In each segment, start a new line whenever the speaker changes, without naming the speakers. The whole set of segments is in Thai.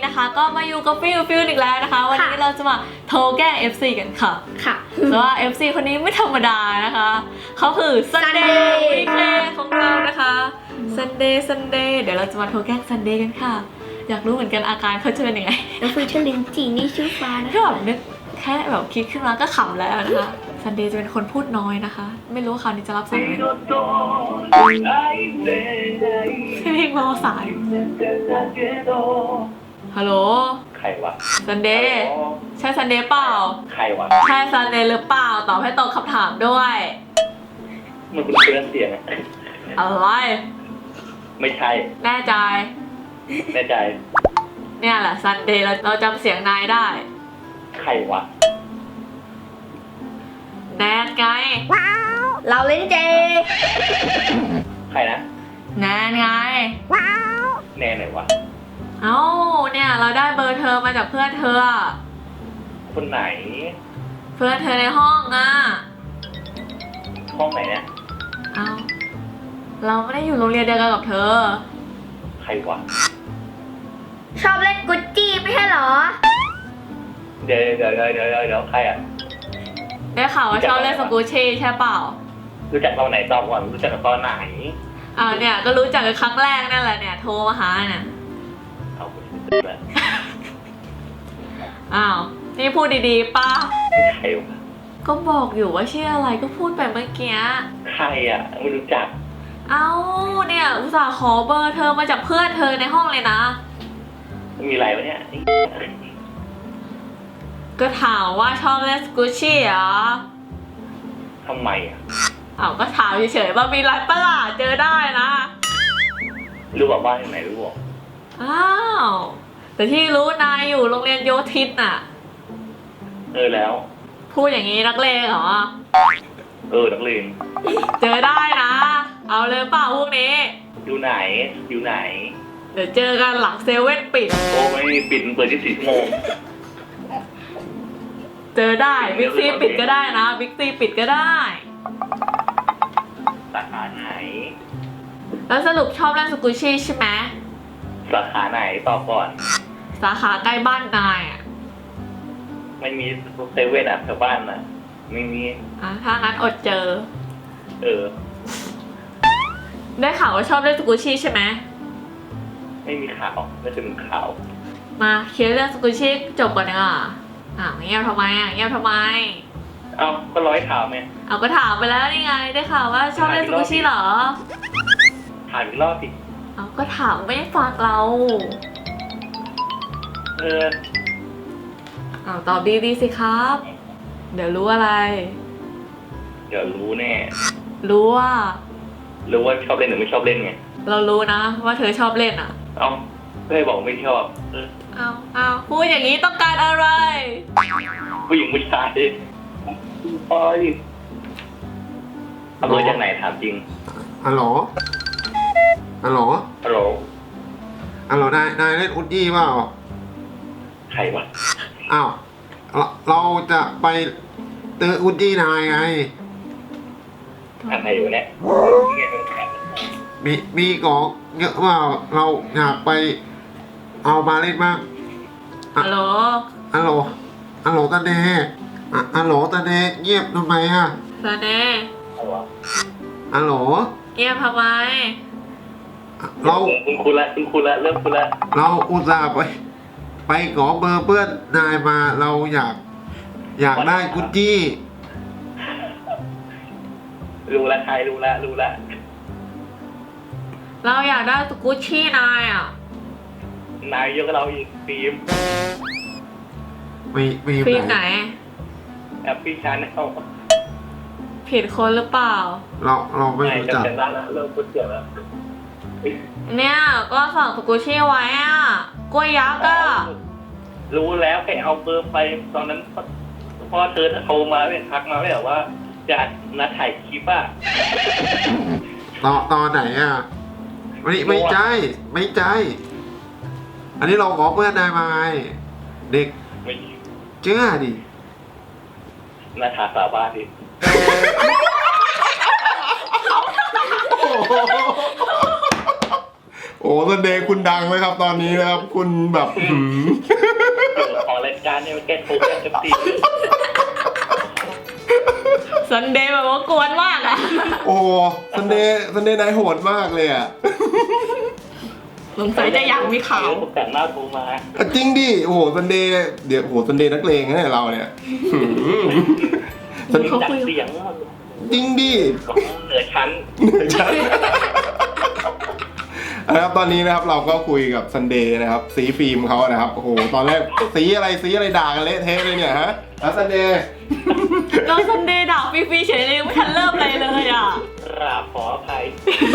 นะคะก็มาอยู่กับฟิลอีกแล้วนะคะวันนี้เราจะมาโทรแกล้ง FC กันค่ะแต่ว่า FC คนนี้ไม่ธรรมดานะคะเขาคือ Sunday VK ของเรานะคะ Sunday เดี๋ยวเราจะมาโทรแกล้ง Sunday กันค่ะอยากรู้เหมือนกันอาการเขาจะเป็นยังไง
แล้วฟิวเจอร์ลินจีนี่ชื่อฟ้านะ
ก็แบบนึกแค่แบบคิดขึ้นมาก็ขำแล้วนะคะ Sunday จะเป็นคนพูดน้อยนะคะไม่รู้ว่าคราวนี้จะรับสายไหมเพลงรอสายฮัลโหล
ใครวะ
Sunday ใช่ Sunday เปล่า
ใครวะ
ใช่ Sunday หรือเปล่าตอบให้ตรงคำถามด้วย
มันเป็นเพื่อนเสียงอะ
อะไร
ไม่ใช่
แน่ใจ
แน่ใจ
เนี่ยแหละ Sunday เราจำเสียงนายได้
ใครวะ
แนนไง
เราเล่นเจ
ใครนะ
แนนไง
แน่ไหนวะ
เอ้าเนี่ยเราได้เบอร์เธอมาจากเพื่อนเธอ
คนไหน
เพื่อนเธอในห้องอ่ะ
ห้องไหนเนี่ย
เอ้าเราไม่ได้อยู่โรงเรียนเดียวกันกับเธอ
ใครวะ
ชอบเล่นกุจจี้ไม่ใช่เหรอ
เดี๋ยวใครอ่ะ
ได้ข่าวว่าชอบเล่นสกูชี่ใช่เปล่า
รู้จักตอนไหนตอบก่อนรู้จักตอนไหน
อ้าวเนี่ยก็รู้จักกันครั้งแรกนั่นแหละเนี่ยโทรมาหาเนี่ย
เอาไปเลย
อ้าวนี่พูดดีๆป้า
ใครวะ
ก็บอกอยู่ว่าชื่ออะไรก็พูดไปเมื่อกี้
ใครอ่ะไม่รู้จัก
เอ้าเนี่ยอุตส่าห์ขอเบอร์เธอมาจากเพื่อนเธอในห้องเลยนะ
มีอะไรวะเนี่ย
ก็ถามว่าชอบเล่นสกูชี่เหรอ
ทำไมอ่ะ
อ้าวก็ถามเฉยๆว่ามีไรประหลาดเจอได้นะ
รู้บอกบ้านที่ไหนรู้บอก
อ้าวแต่ที่รู้นายอยู่โรงเรียนโยธินน่ะ
แล้ว
พูดอย่างนี้นักเลงเหรอ
นักเรียน
เจอได้นะ เอาเลยเปล่าพวกนี้
อยู่ไหน
เดี๋ยวเจอกันหลังเซเว่นปิด
โอ้ไม่ปิดเปิด24 ชั่วโมง
เจอได้บิ๊กซีปิดก็ได้นะบิ๊กซีปิดก็ได้
สาขาไหน
แล้วสรุปชอบเล่นสกูชี่ใช่ไหม
สาขาไหนตอบก่อน
สาขาใกล้บ้านนายอ่ะ
ไม่มีเซเว่นอ่ะแถวบ้านอ่ะไม่มี
ถ้างั้นอดเจอ ได้ข่าวว่าชอบเล่นสกูชี่ใช่ไหม
ไม่มีข่าวไม่ถึงข่าว
มาเคลียร์เรื่องสกูชี่จบก่อนดีกว่าเงียบทำไมเงียบทำไม
เอ้าก็ร้อยข่าวไง
เอาก็ถามไปแล้วนี่ไง ได้ข่าวว่าชอบเล่นสกูชี่เหรอ
ถามอีกรอบสิ
เอาก็ถามไม่ฟังเรา เอาตอบดีๆสิครับ เดี๋ยวรู้อะไร
เดี๋ยวรู้แน่
รู้ว่า
รู้ว่าชอบเล่นหรือไม่ชอบเล่นไง
เรารู้นะว่าเธอชอบเล่นอ่ะ
เอ้าไม่ได้บอกไม่ชอบ
เอาพูดอย่างนี้ต้องการอะไร
ผู้หญิงผู้ชายโอ้ยเอาเบอร์จากไหนถามจริง
ฮัลโหล ฮัลโหล
ฮัลโหล
ฮัลโหล นายเล่นอุดดี้เปล่า
ใครวะ
อ้าว เราจะไปตื้ออุดดี้นายไง
อะไรอยู่เนี่ย
มีของเยอะเปล่า เราอยากไปเอามาเล่นบ้าง
ฮัลโหล
ฮัลโหล ฮัลโหลตาเดฮัลโหลตาเดเงียบทำไมอะ
ซาเน่
อะไรวะ
ฮัลโหล
เงียบทำไม
เรา
คุณละเริ่มคุณละ
เราอุตส่าห์ไปขอเบอร์เพื่อนนายมา เราอยากได้กุดจี้
รู้ละใครรู้ละ
เราอยากได้สกูชี่นายอ่ะ
นายเยอะกับเราอีกฟิล์ม
ฟิล์มไหน
แอปปี้ชาแนล
ผิดคนหรือเปล่า
เราไม่รู้จัก
จำได้แล้วเริ่มพูดเสียงแล้ว
เนี่ยก็สั่งสกูชี่ไว้อ่ะกล้วยยักษ์อ่ะ
รู้แล้วแค่เอาเบอร์ไปตอนนั้นพ่อเธอโทรมาเนี่ยทักมาไม่บอกว่าจะนัดถ่ายคลิปอ่ะ
ตอนไหนอ่ะไม่ใช่อันนี้เราขอเพื่อนนายมาไงเด็ก
ไม่
เชื่อดิ
นัดถ่ายสาบานดิ
โอ้โห
โอ้ซันเดย์คุณดังไหมครับตอนนี้นะครับ คุณแบบ
ของรายการเนี่ยมันแก้โทรแก้FC
ซันเดย์แบบว่ากวนมากอะ
โอ้ซันเดย์นายโหดมากเลยอ่ะ
สงสัยจะอยากมีข่าว
ผมแต่งหน้าโทรมา
จริงดิโอ้โหซันเดย์เดี๋ยวโอ้โหซันเดย์นักเลงเนี่ยเราเนี่ย
จัดเสียง
จริงดิ
ของเหนือชั้น
ใช่นะครับตอนนี้นะครับเราก็คุยกับซันเดย์นะครับสีฟิล์มเขานะครับโอ้โหตอนแรกสีอะไรด่ากันเละเทะเลยเนี่ยฮะซันเดย์
เราซันเดย์ด่าฟรีๆเฉยเลยไม่ทันเริ่มอะไรเลยอ่ะ
กราบขออภัย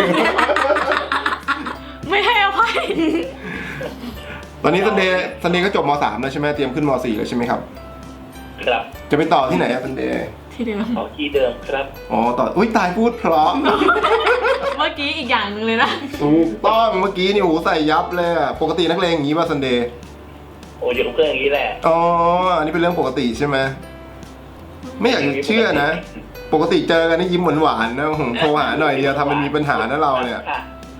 ไม่ให้อภัย
ตอนนี้ซันเดย์ก็จบม.3 แล้วใช่ไหมเตรียมขึ้นม.4 แล้วใช่ไหมครับ
ครับ
จะไปต่อที่ไหนอะซันเดย์
ที่เดิม
ขอที่เดิมครับ
อ๋อต่ออุ้ยตายพูดเพราะ
เมื่อกี้อีกอย่างหนึ่งเลยนะ
ถูกต้องเมื่อกี้นี่โอ้โหใส่ยับเลยอะปกตินักเลงอย่างนี้ป่ะซันเดย์
โอ้ยอยู่กับเพื่อนอย่างนี้แหละ
อ๋ออันนี้เป็นเรื่องปกติใช่ไหมไม่อยากจะเชื่อนะ ปกติเจอกันนี่ยิ้มหวานๆนะผมโทรหาหน่อยเดียวทำมันมีปัญหานะเราเนี่ย
ค่ะ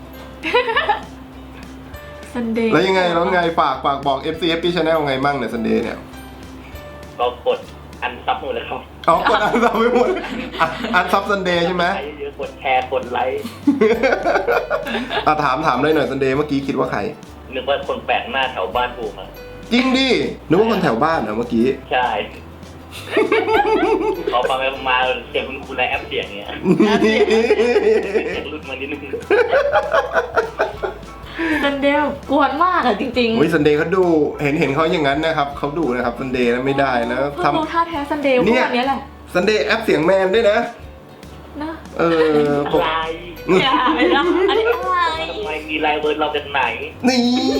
ซันเดย์
แล้วยังไงฝากบอก FCFP Channel ไงมั่งเนี่ยซันเดย์เนี่ย
ก็กดอันซับหมดเลยครับ
อ๋อกดอันซับไม่หมดอันซับซันเดย์ใช่ไหม
ใครเยอะๆกดแชร์กดไลค์
ถามเลยหน่อยซันเดย์เมื่อกี้คิดว่าใคร
นึกว่าคนแปลกหน้าแถวบ้านกูมา
จริงดินึกว่าคนแถวบ้านเหรอเมื่อกี้
ใช่ขอฟังไปมาเสียงคุณในแอปเสียงเนี่ยเสียงรุดมานิดนึง
ซันเดย์กวนมากอะจริงๆ
โอ้ยซันเดย์เขาดูเห็นเขาอย่างนั้นนะครับเขาดูนะครับซันเดย์นะไม่ได้นะ
เพิ่งรู้ท่าแท้ซันเดย์พวกนี้แหละ
ซันเดย์แอปเสียงแมนด้วยนะ
นะ
อะไร
อย่าไปนะอันนี้อะไร
ทำไมมีไลน์เวิร์ดเราจากไหน
นี่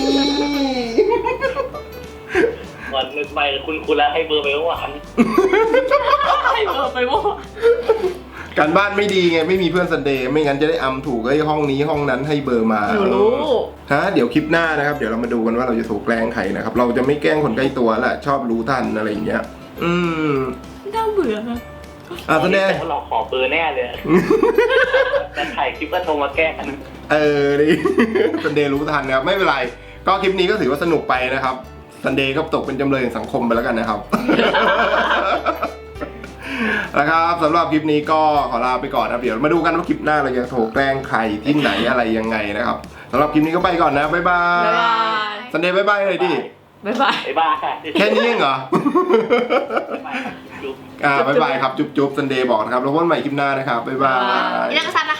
ก่อนนึกไปคุณแล้วให้เบอร์ไปเมื่อวาน
ให้เบอร์ไปว่า
การบ้านไม่ดีไงไม่มีเพื่อนซันเดย์ไม่งั้นจะได้อำถูกไอ้ห้องนี้ห้องนั้นให้เบอร์มา
หนูรู้
ฮะเดี๋ยวคลิปหน้านะครับเดี๋ยวเรามาดูกันว่าเราจะถูกแกล้งใครนะครับเราจะไม่แกล้งคนใกล้ตัวแหละชอบรู้ทันอะไรอย่างเงี้ย
น่าเบื่อนะ
ซันเดย์
แต่ว่าเราขอเบอร์แน่เลยแต่ถ่ายคลิปก็โทรมาแกล้งกัน
ดิ ซันเดย์รู้ทันนะครับไม่เป็นไรก็คลิปนี้ก็ถือว่าสนุกไปนะครับซันเดย์ก็ตกเป็นจำเลยแห่งสังคมไปแล้วกันนะครับ นะครับสำหรับคลิปนี้ก็ขอลาไปก่อนนะครับเดี๋ยวมาดูกันว่าคลิปหน้าเราจะโทรแกล้งใครที่ไหนอะไรยังไงนะครับสำหรับคลิปนี้ก็ไปก่อนนะบ๊ายบาย
บ๊ายบาย
ซันเดย์บ๊ายบายเลยดิ
บ๊ายบาย
ไอ้บ้าค่ะ
แค่นี้เองเหรอ
จุ๊บ
บ๊ายบายครับจุ๊บซันเดย์บอกนะครับแล้วพบกันใหม่คลิปหน้านะครับบ๊ายบาย
นี่นักซันนะคะ